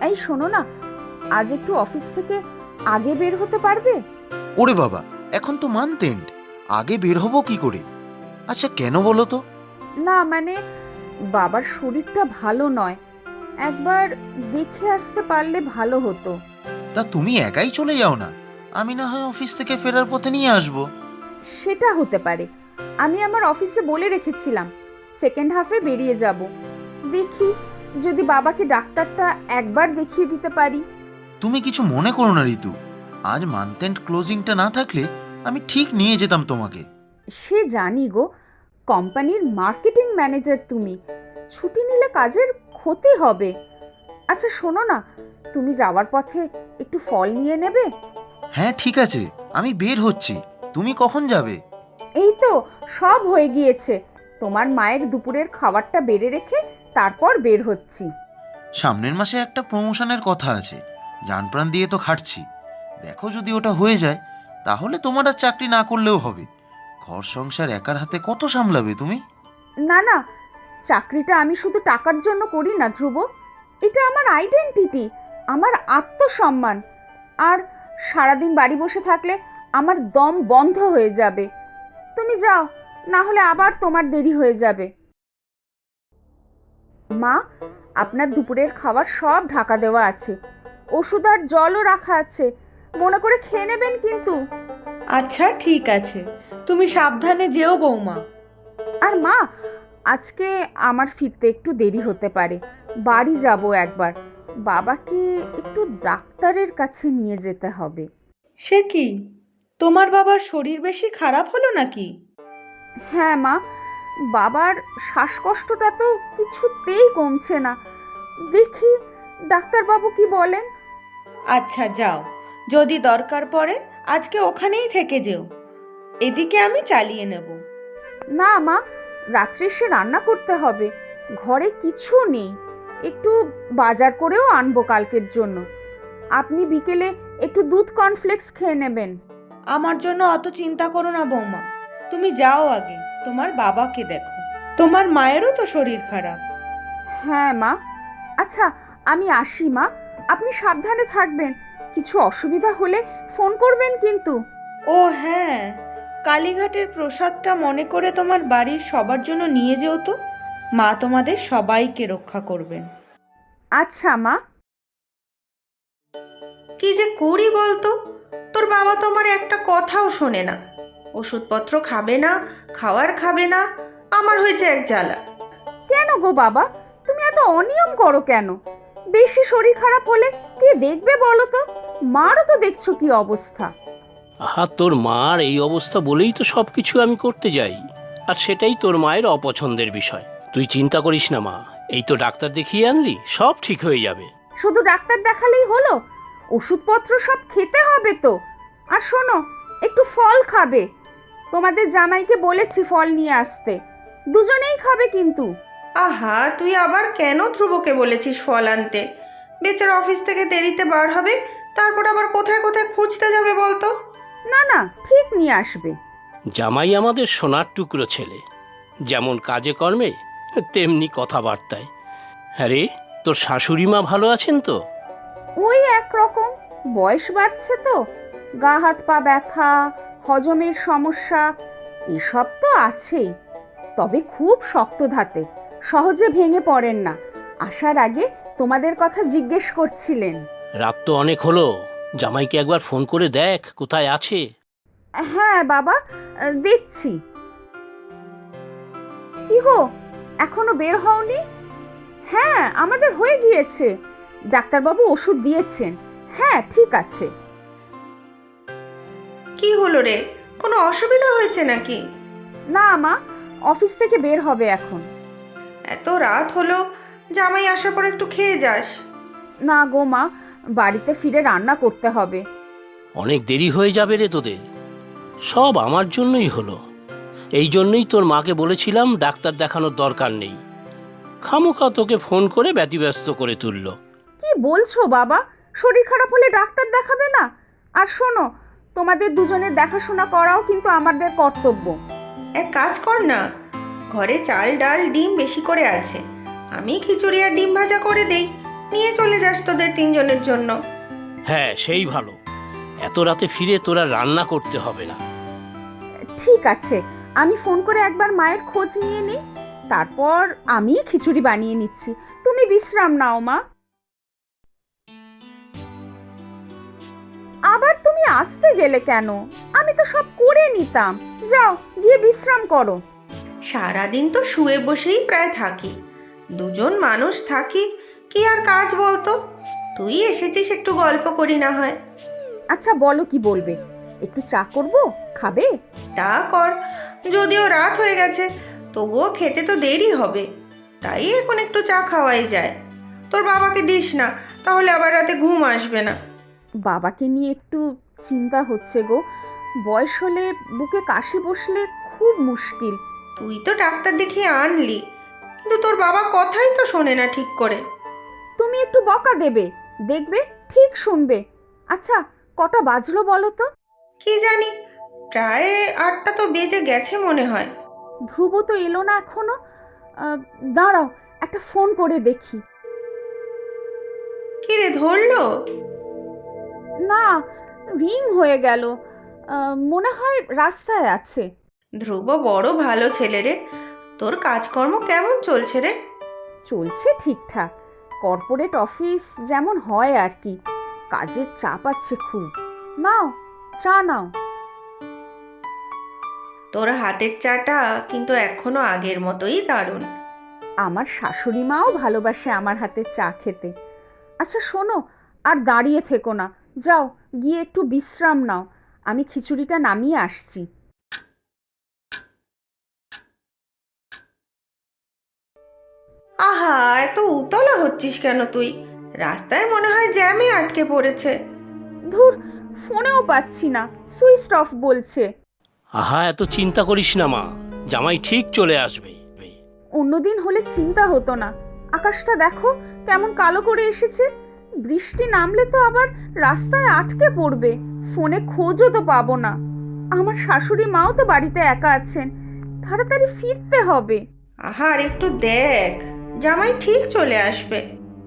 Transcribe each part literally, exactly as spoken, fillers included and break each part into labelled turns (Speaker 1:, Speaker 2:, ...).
Speaker 1: এই শোনো না, আজ একটু অফিস থেকে আগে বের হতে পারবে?
Speaker 2: ওরে বাবা, এখন তো মান্থ এন্ড, আগে বের হবো কি করে? আচ্ছা কেন বলো তো?
Speaker 1: না মানে বাবার শরীরটা ভালো নয়, একবার দেখে আসতে পারলে ভালো হতো।
Speaker 2: তা তুমি একাই চলে যাও না, আমি না হয় অফিস থেকে ফেরার পথে নিয়ে আসবো।
Speaker 1: সেটা হতে পারে। আমি আমার অফিসে বলে রেখেছিলাম সেকেন্ড হাফে বেরিয়ে যাব। দেখি যদি বাবাকে ডাক্তারটা একবার দেখিয়ে দিতে পারি।
Speaker 2: তুমি কিছু মনে করো না ঋতু, আজ মান্থ এন্ড ক্লোজিংটা না থাকলে আমি ঠিক নিয়ে যেতাম তোমাকে।
Speaker 1: সে জানি গো, কোম্পানির মার্কেটিং ম্যানেজার তুমি, ছুটি নিলে কাজের ক্ষতি হবে। আচ্ছা শোনো না, তুমি যাওয়ার পথে একটু ফল নিয়ে নেবে?
Speaker 2: হ্যাঁ ঠিক আছে, আমি বের হচ্ছি। তুমি কখন যাবে?
Speaker 1: এই তো সব হয়ে গিয়েছে, তোমার মায়ের দুপুরের খাবারটা বেড়ে রেখে তারপর বের হচ্ছি।
Speaker 2: সামনের মাসে একটা প্রমোশনের কথা আছে, জানপ্রাণ দিয়ে তো খাটছি। দেখো যদি ওটা হয়ে যায় তাহলে তোমার আর চাকরি না করলেও হবে। ঘর সংসার একার হাতে কত সামলাবে তুমি?
Speaker 1: না না, চাকরিটা আমি শুধু টাকার জন্য করি না ধ্রুব, এটা আমার আইডেন্টিটি, আমার আত্মসম্মান। আর সারাদিন বাড়ি বসে থাকলে আমার দম বন্ধ হয়ে যাবে। তুমি যাও, না হলে আবার তোমার দেরি হয়ে যাবে। মা, আপনার দুপুরের খাবার সব ঢাকা দেওয়া আছে, ওষুধ আর জলও রাখা আছে, মনে করে খেয়ে নেবেন কিন্তু।
Speaker 3: আচ্ছা ঠিক আছে, তুমি সাবধানে যেও বৌমা।
Speaker 1: আর মা, আজকে আমার ফিরতে একটু দেরি হতে পারে, বাড়ি যাব একবার, বাবাকে একটু ডাক্তারের কাছে নিয়ে যেতে হবে।
Speaker 3: সে কি, তোমার বাবার শরীর বেশি খারাপ হলো নাকি?
Speaker 1: হ্যাঁ মা, বাবার শ্বাসকষ্টটা তো কিছুতেই কমছে না, দেখি ডাক্তারবাবু কি বলেন।
Speaker 3: আচ্ছা যাও, যদি দরকার পড়ে আজকে ওখানেই থেকে যেও, এদিকে আমি চালিয়ে নেব।
Speaker 1: না মা, রাত্রে সে রান্না করতে হবে, ঘরে কিছু নেই, একটু বাজার করেও আনবো কালকের জন্য। আপনি বিকেলে একটু দুধ কর্নফ্লেক্স খেয়ে নেবেন।
Speaker 3: আমার জন্য অত চিন্তা করো না বৌমা, তুমি যাও আগে তোমার বাবাকে দেখো, তোমার মায়েরও তো শরীর খারাপ।
Speaker 1: হ্যাঁ মা, আচ্ছা আমি আসি মা, আপনি সাবধানে থাকবেন, কিছু অসুবিধা হলে ফোন করবেন কিন্তু।
Speaker 3: ও হ্যাঁ, কালীঘাটের প্রসাদটা মনে করে তোমার বাড়ির সবার জন্য নিয়ে যেও তো, মা তোমাদের সবাইকে রক্ষা করবেন।
Speaker 1: আচ্ছা মা।
Speaker 4: কি যে করি বলতো, তোর বাবা তো আমার একটা কথাও শোনে না, ওষুধপত্র খাবে না, খাওয়ার খাবে না, আমার হয়েছে এক জ্বালা।
Speaker 1: কেন গো বাবা, তুমি এত অনিয়ম করো কেন? বেশি শরীর খারাপ হলে কে দেখবে বলো তো? মারও তো দেখছো কি অবস্থা।
Speaker 5: আহা, তোর মার এই অবস্থা বলেই তো সব কিছু আমি করতে যাই, আর সেটাই তোর মায়ের অপছন্দের বিষয়। তুই চিন্তা করিস না মা, এই তো ডাক্তার দেখিয়ে আনলি, সব ঠিক হয়ে যাবে।
Speaker 1: শুধু ডাক্তার দেখালেই হলো? ওষুধপত্র সব খেতে হবে তো। আর শোনো, একটু ফল খাবে, তোমাদের জামাইকে বলেছি ফল নিয়ে আসতে, দুজনেই খাবে কিন্তু।
Speaker 4: আহা, তুই আবার কেন ধ্রুবকে বলেছিস ফল আনতে? বেচারা অফিস থেকে দেরিতে বার হবে, তারপর আবার কোথায় কোথায় খুঁজতে যাবে বলতো?
Speaker 1: না না, ঠিক নিয়ে আসবে।
Speaker 5: জামাই আমাদের সোনার টুকরো ছেলে, যেমন কাজে কর্মে তেমনি কথাবার্তায়। হ্যাঁ রে, তোর শাশুড়ি মা ভালো আছেন তো?
Speaker 1: ওই একরকম, বয়স বাড়ছে তো, গা হাত পা ব্যথা, হজমের সমস্যা, এসব তো আছেই। তবে খুব শক্ত ধাতে, সহজে ভেঙে পড়েন না। আসার আগে তোমাদের কথা জিজ্ঞেস করছিলেন।
Speaker 5: রাত তো অনেক হলো, জামাইকে একবার ফোন করে দেখ কোথায় আছে।
Speaker 1: হ্যাঁ বাবা, দেখছি। কি গো, এখনো বের হওনি? হ্যাঁ আমাদের হয়ে গিয়েছে, ডাক্তারবাবু ওষুধ দিয়েছেন। হ্যাঁ ঠিক আছে।
Speaker 4: কি হলো রে, কোনো অসুবিধা হয়েছে নাকি?
Speaker 1: না মা, অফিস থেকে বের হবে এখন।
Speaker 4: এত রাত হলো, জামাই আসার পর একটু খেয়ে যাস।
Speaker 1: না গো মা, বাড়িতে ফিরে রান্না করতে হবে।
Speaker 5: অনেক দেরি হয়ে যাবে রে তোদের, সব আমার জন্যই হলো। এই জন্যই তোর মাকে বলেছিলাম ডাক্তার দেখানোর দরকার নেই, খামোখা তোকে ফোন করে ব্যতিব্যস্ত করে তুললো।
Speaker 1: কি বলছো বাবা, শরীর খারাপ হলে ডাক্তার দেখাবে না? আর শোনো, তোমাদের দুজনের দেখাশোনা করাও কিন্তু আমাদের কর্তব্য।
Speaker 4: এক কাজ কর না, ঘরে চাল ডাল ডিম বেশি করে আছে, আমি খিচুড়ি আর ডিম ভাজা করে দেই, নিয়ে চলে যাস তোদের তিনজনের জন্য।
Speaker 5: হ্যাঁ সেই ভালো, এত রাতে ফিরে তোরা রান্না করতে হবে না।
Speaker 1: ঠিক আছে, আমি ফোন করে একবার মায়ের খোঁজ নিয়ে নিই, তারপর আমি খিচুড়ি বানিয়ে নিচ্ছি। তুমি বিশ্রাম নাও মা। আবার তুমি আসতে গেলে কেন? আমি তো সব করে নিতাম। যাও গিয়ে বিশ্রাম করো।
Speaker 4: সারাদিন তো শুয়ে বসেই প্রায় থাকি, দুজন মানুষ থাকি, কি আর কাজ বলতো? তুই এসেছিস, একটু গল্প করি না হয়।
Speaker 1: আচ্ছা বলো কি বলবে? একটু চা করবো, খাবে?
Speaker 4: তা কর, যদিও রাত হয়ে গেছে, তবুও খেতে তো দেরি হবে, তাই এখন একটু চা খাওয়াই যায়। তোর বাবাকে দিস না, তাহলে আবার রাতে ঘুম আসবে না।
Speaker 1: বাবাকে নিয়ে একটু চিন্তা হচ্ছে গো। বয়স হলে বুকে কাশি বসলে খুব মুশকিল।
Speaker 4: তুই তো ডাক্তার দেখিয়ে আনলি, কিন্তু তোর বাবা কথাই তো শোনে না ঠিক করে।
Speaker 1: তুমি একটু বকা দেবে, দেখবে ঠিক শুনবে। আচ্ছা কটা বাজলো বলো তো?
Speaker 4: কি জানি, প্রায় আটটা তো বেজে গেছে মনে হয়।
Speaker 1: ধ্রুব তো এলো না এখনো। আহ, দাঁড়াও একটা ফোন করে দেখি।
Speaker 4: কি রে, ধরলো?
Speaker 1: না, রিং হয়ে গেল। আহ, মনে হয় রাস্তায় আছে।
Speaker 4: ধ্রুব বড় ভালো ছেলে রে। তোর কাজকর্ম কেমন চলছে রে?
Speaker 1: চলছে ঠিকঠাক, কর্পোরেট অফিস যেমন হয় আর কি। কাজের চাপ আছে খুব। নাও চা নাও।
Speaker 4: তোর হাতের চাটা কিন্তু এখনো আগের মতোই দারুণ।
Speaker 1: আমার শাশুড়ি মাও ভালোবাসে আমার হাতে চা খেতে। আচ্ছা শোনো, আর দাঁড়িয়ে থেকো না, যাও গিয়ে একটু বিশ্রাম নাও। আমি খিচুড়িটা নামিয়ে আসছি।
Speaker 4: আহা, এত উতলা হচ্ছিস কেন তুই? রাস্তায় মনে হয় জ্যামে আটকে পড়েছে।
Speaker 1: ধুর, ফোনেও পাচ্ছি না, সুইচ অফ বলছে।
Speaker 5: আহা এত চিন্তা করিস না মা, জামাই ঠিক চলে আসবে।
Speaker 1: অন্যদিন হলে চিন্তা হতো না। আকাশটা দেখো কেমন কালো করে এসেছে। বৃষ্টি নামলে তো আবার রাস্তায় আটকে পড়বে, ফোনে খোঁজও তো পাবো না। আমার শাশুড়ি মাও তো বাড়িতে একা আছেন, তাড়াতাড়ি ফিরতে হবে।
Speaker 4: আহা, আর একটু দেখ, জামাই ঠিক চলে আসবে।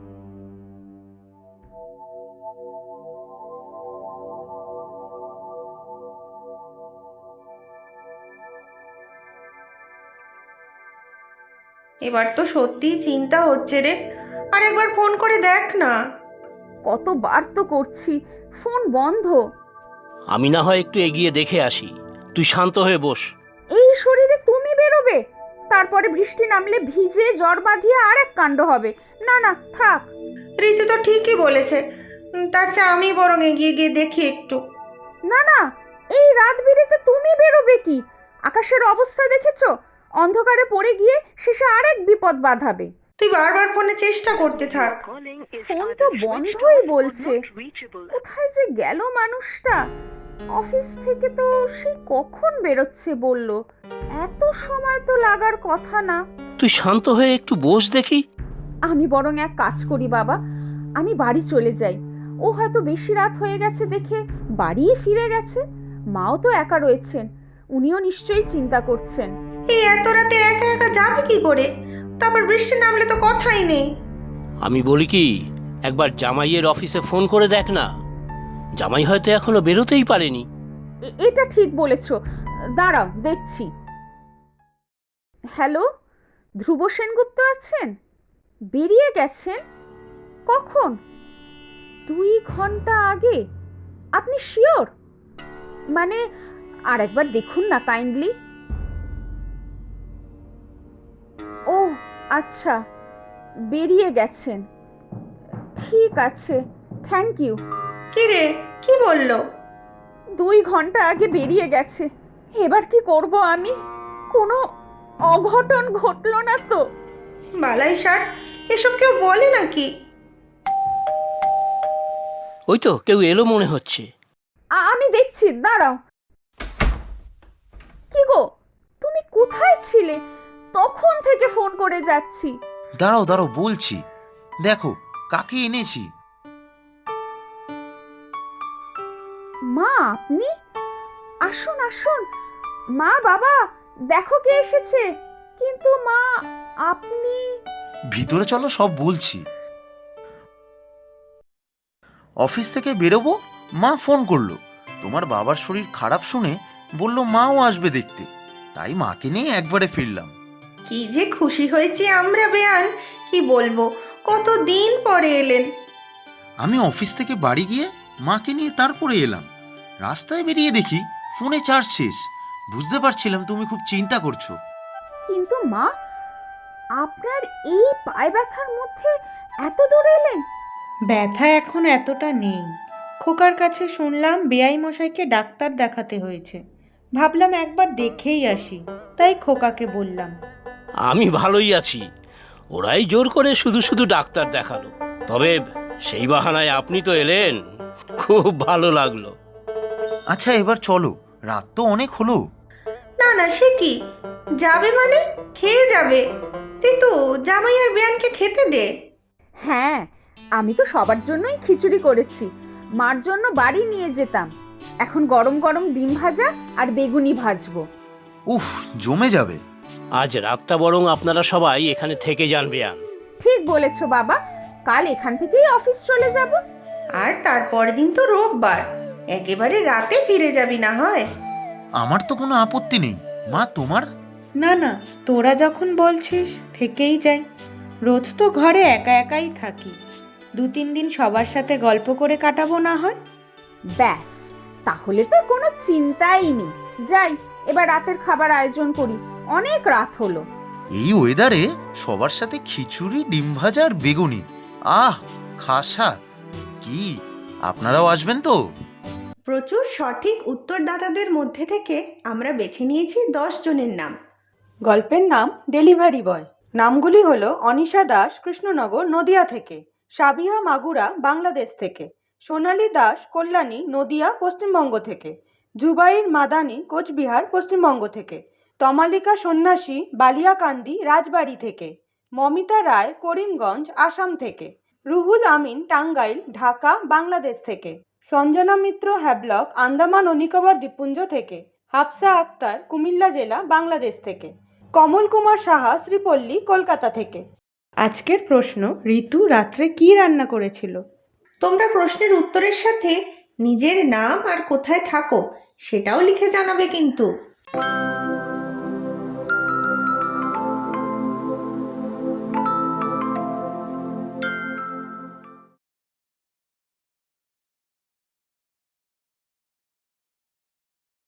Speaker 4: এবার তো সত্যিই চিন্তা হচ্ছে রে, আর একবার ফোন করে দেখ না।
Speaker 1: কতবার তো করছি, ফোন বন্ধ।
Speaker 5: আমি না হয় একটু এগিয়ে দেখে আসি, তুই শান্ত হয়ে বস।
Speaker 1: এই শরীরে তুমি বেরোবে, তারপরে বৃষ্টি নামলে ভিজে জ্বর বাঁধিয়ে আর এক কাণ্ড হবে। না না থাক।
Speaker 4: ঋতু তো ঠিকই বলেছে, উম, তার চেয়ে আমি বরং এগিয়ে গিয়ে দেখি একটু।
Speaker 1: না না, এই রাত বিরেতে তুমি বেরোবে কি? আকাশের অবস্থা দেখেছো? অন্ধকারে পড়ে গিয়ে শেষে আরেক বিপদ বাঁধাবে।
Speaker 4: তুই বারবার ফোনে চেষ্টা করতে থাক।
Speaker 1: ফোন তো বন্ধই বলছে। কোথায় যে গেল মানুষটা? অফিস থেকে তো সে কখন বেরোচ্ছে বলল, এত সময় তো লাগার কথা না।
Speaker 5: তুই শান্ত হয়ে একটু বস দেখি।
Speaker 1: আমি বরং এক কাজ করি বাবা, আমি বাড়ি চলে যাই। ও হয়তো বেশি রাত হয়ে গেছে দেখে বাড়িই ফিরে গেছে। মাও তো একা রয়েছেন, উনিও নিশ্চয়ই চিন্তা করছেন।
Speaker 4: এই এত রাতে একা একা যাবে কি করে? তারপর বৃষ্টি নামলে তো কথাই নেই।
Speaker 5: আমি বলি কি, একবার জামাইয়ের অফিসে ফোন করে দেখ না, জামাই হয়তো এখনো বেরোতেই পারেনি।
Speaker 1: এ- এটা ঠিক বলেছ, দাঁড়াও দেখছি। হ্যালো, ধ্রুব সেনগুপ্ত আছেন? বেরিয়ে গেছেন? কখন? দুই ঘন্টা আগে? আপনি শিওর? মানে আর একবার দেখুন না কাইন্ডলি। ও আচ্ছা, বেরিয়ে গেছেন। ঠিক আছে, থ্যাংক ইউ।
Speaker 4: কি রে, কি বললো?
Speaker 1: দুই ঘন্টা আগে বেরিয়ে গেছে। এবার কি করব আমি? কোনো অঘটন ঘটলো না তো?
Speaker 4: বালাই ষাট, এসব কেউ বলে নাকি?
Speaker 5: ওই তো কেউ এলো মনে হচ্ছে।
Speaker 1: আ- আমি দেখছি, দাঁড়াও। কি গো, তুমি কোথায় ছিলে? তখন থেকে ফোন করে যাচ্ছি।
Speaker 2: দাঁড়াও দাঁড়াও বলছি, দেখো কাকে এনেছি।
Speaker 1: মা আপনি? আসুন আসুন। মা বাবা, দেখো কে এসেছে। কিন্তু মা আপনি?
Speaker 2: ভিতরে চলো, সব বলছি। অফিস থেকে বেরোবো, মা ফোন করলো। তোমার বাবার শরীর খারাপ শুনে বলল মাও আসবে দেখতে, তাই মাকে নিয়ে একবারে ফিরলাম।
Speaker 4: কি যে খুশি হয়েছি আমরা বেয়ান, কি বলবো, কত দিন পরে এলেন।
Speaker 2: আমি অফিস থেকে বাড়ি গিয়ে মাকে নিয়ে তারপরে এলাম। রাস্তায় বেরিয়ে দেখি ফোনে চার্জ শেষ। বুঝতে পারছিলাম তুমি খুব চিন্তা করছো।
Speaker 1: কিন্তু মা, আপনার এই পায়ে ব্যথার মধ্যে এত দূরে এলেন?
Speaker 3: ব্যথা এখন এতটা নেই। খোকার কাছে শুনলাম বেআই মশাইকে ডাক্তার দেখাতে হয়েছে। ভাবলাম একবার দেখেই আসি, তাই খোকাকে বললাম।
Speaker 5: আমি ভালোই আছি, ওরাই জোর করে শুধু শুধু ডাক্তার দেখালো। তবে সেই বাহানায় আপনি তো এলেন, খুব ভালো লাগলো।
Speaker 2: আচ্ছা এবার চলো, রাত তো অনেক হলো।
Speaker 4: না না, সে কি, যাবে মানে খেয়ে যাবে। ঋতু, জামাই আর বেয়ানকে খেতে দে।
Speaker 1: হ্যাঁ, আমি তো সবার জন্যই খিচুড়ি করেছি, মার জন্য বাড়ি নিয়ে যেতাম। এখন গরম গরম ডিম ভাজা আর বেগুনি ভাজবো।
Speaker 2: উফ, জমে যাবে।
Speaker 5: আজ রাতটা বরং আপনারা সবাই এখানে থেকে যান বেয়ান।
Speaker 1: ঠিক বলেছো বাবা, কাল এখান থেকেই অফিস চলে যাব।
Speaker 4: আর তারপরের দিন তো রোববার, একেবারে রাতে ফিরে যাবি না হয়?
Speaker 2: আমার তো কোনো আপত্তি নেই। মা তোমার?
Speaker 3: না না, তোরা যখন বলছিস থেকেই যাই। রোজ তো ঘরে একা একাই থাকি, দু তিন দিন সবার সাথে গল্প করে কাটাবো না হয়।
Speaker 1: ব্যাস, তাহলে তো কোনো চিন্তাই নেই। যাই, এবার রাতের খাবার আয়োজন করি, অনেক রাত হলো।
Speaker 2: এই ওয়েদারে সবার সাথে খিচুড়ি, ডিম ভাজা আর বেগুনি, আহ খাসা! কি আপনারাও আসবেন তো?
Speaker 4: প্রচুর সঠিক উত্তরদাতাদের মধ্যে থেকে আমরা বেছে নিয়েছি দশ জনের নাম।
Speaker 3: গল্পের নাম ডেলিভারি বয়। নামগুলি হলো অনিশা দাস, কৃষ্ণনগর, নদিয়া থেকে; সাবিহা মাগুরা, বাংলাদেশ থেকে; সোনালী দাস, কল্যাণী, নদিয়া, পশ্চিমবঙ্গ থেকে; জুবাইর মাদানি, কোচবিহার, পশ্চিমবঙ্গ থেকে; তমালিকা সন্ন্যাসী, বালিয়াকান্দি, রাজবাড়ি থেকে; মমিতা রায়, করিমগঞ্জ, আসাম থেকে; রুহুল আমিন, টাঙ্গাইল, ঢাকা, বাংলাদেশ থেকে; সঞ্জনা মিত্র, হ্যাবলক, আন্দামান ও নিকোবর দ্বীপপুঞ্জ থেকে; হাফসা আক্তার, কুমিল্লা জেলা, বাংলাদেশ থেকে; কমল কুমার সাহা, শ্রীপল্লী, কলকাতা থেকে। আজকের প্রশ্ন, ঋতু রাত্রে কি রান্না করেছিল?
Speaker 4: তোমরা প্রশ্নের উত্তরের সাথে নিজের নাম আর কোথায় থাকো সেটাও লিখে জানাবে কিন্তু।